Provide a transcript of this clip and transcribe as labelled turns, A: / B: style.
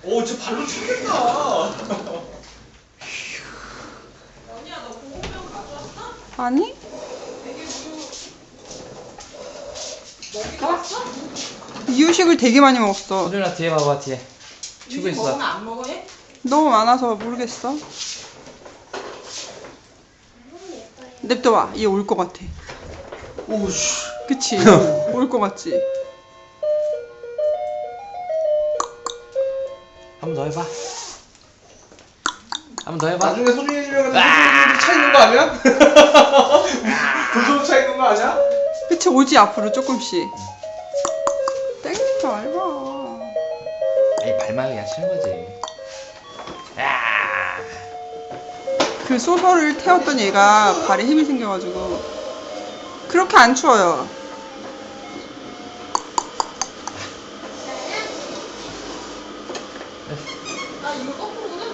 A: 오, 저 발로 차겠다.
B: 언니야, 너 보온병 가져왔어?
C: 아니?
B: 되게 우유 먹어봤어?
C: 이유식을 되게 많이 먹었어.
D: 소준아 뒤에 봐봐 뒤에. 치고
B: 이거
D: 있어.
B: 먹으면 안 먹어 얘?
C: 너무 많아서 모르겠어. 냅둬봐. 얘 올 것 같아.
A: 오씨.
C: 그치? 올 것 같지?
D: 한 번 더 해봐. 한 번 더 해봐.
A: 나중에 소중해지면 차 있는 거 아니야? 도전 차 있는 거 아니야?
C: 그치? 오지 앞으로 조금씩. 땡기지 말봐.
D: 아니 발만 그냥 치는 거지. 야.
C: 그 소설을 태웠던 얘가 발에 힘이 생겨가지고 그렇게 안 추워요.
B: 아 이거 거꾸로구나?